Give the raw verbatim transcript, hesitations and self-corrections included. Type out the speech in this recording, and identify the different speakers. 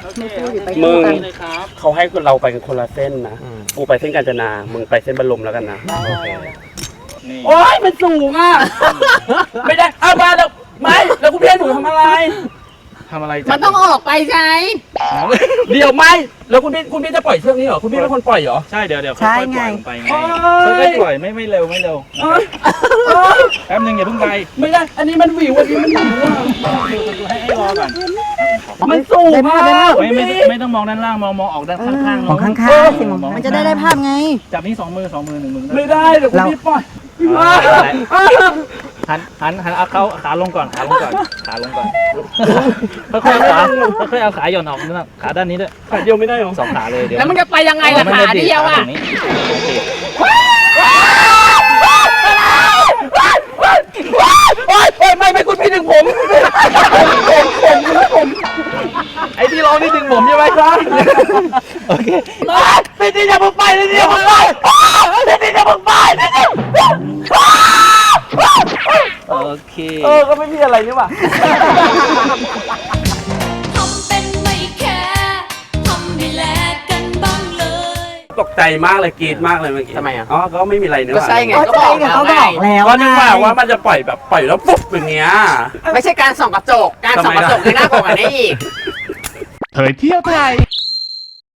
Speaker 1: มึงเขาให้เราไปกันคนละเส้นนะกูไปเส้นกาญจนามึงไปเส้นบรมแล้วกันนะโอ๊ยมันสูงอ่ะไม่ได้เอามาแล้วไม่แล้วคุณพี่หนูทำอะไร
Speaker 2: ทำอะไร
Speaker 3: มันต้องออกไปใช่
Speaker 1: เดี๋ยวไม่แล้วคุณพี่คุณพี่จะปล่อยเชือกนี้เหรอคุณพี่เป็นคนปล่อยเหรอ
Speaker 2: ใช่เดี๋ยวเดี๋ยวค่อยๆปล่อยลงไปไงค่อยๆปล่อยไม่ไม่เร็วไม่เร็วแป๊บนึงอย่าเพิ่งไป
Speaker 1: ไม่ได้อันนี้มันหวิวอันนี้มันหวิวอ่ะ
Speaker 2: ให้ให้รอก่อน
Speaker 1: มันสูงมาก
Speaker 2: ไม่ไม่ไม่ต้องมองด้านล่างมองมองออกด้านข้างๆ
Speaker 3: มองข้างๆสิมันจะได้ได้ภาพไง
Speaker 2: จับนี่สองมือสองมือหนึ่งมือ
Speaker 1: ไม่ได้เดี๋ยวคุณพี่ปล่อย
Speaker 2: หันหันหันเอาเขาขาลงก่อนขาลงก่อนขาลงก่อนค่อยๆเอาขาค่อยๆเอาขาหย่อนออกนี่นะขาด้านนี้ด้วย
Speaker 1: ขาเดียวไม่ได้หรอ
Speaker 2: สองขาเลยเดี๋ยว
Speaker 3: แล้วมันจะไปยังไงล่ะขาเดียวอ่ะ
Speaker 1: ไม่ไม่คุณพี่ดึงผมผมผมผม
Speaker 2: ไอ้ที่ร้องนี่ดึงผมใช่ไหมครับโอเค
Speaker 1: นี่นี่อย่าเพิ่งไปนี่นี่อย่าเพิ่งไปนี่นี่อย่าเพิ่งไปนี่นี่
Speaker 2: โอเค
Speaker 1: เออก็ไม่มีอะไรนี่หว่า
Speaker 4: ทำเป็นไม่แคร์ทำให้แลกกันบ้างเลย
Speaker 1: ตกใจมากเลยกรี๊ดมากเลยเมื่อกี้
Speaker 3: ทำไมอ่ะ
Speaker 1: อ๋อก็ไม่มีอะไรนี่หว่า
Speaker 3: ก็ใช่ไงก็บอกเขาบอกแล้ว
Speaker 1: ก็นึกว่าว่ามันจะปล่อยแบบปล่อยแล้วปุ๊บอย่างเงี้ย
Speaker 3: ไม่ใช่การส่องกระจกการส่องกระจกในหน้าของอันนี้อีก
Speaker 5: เผยเที่ยวไทย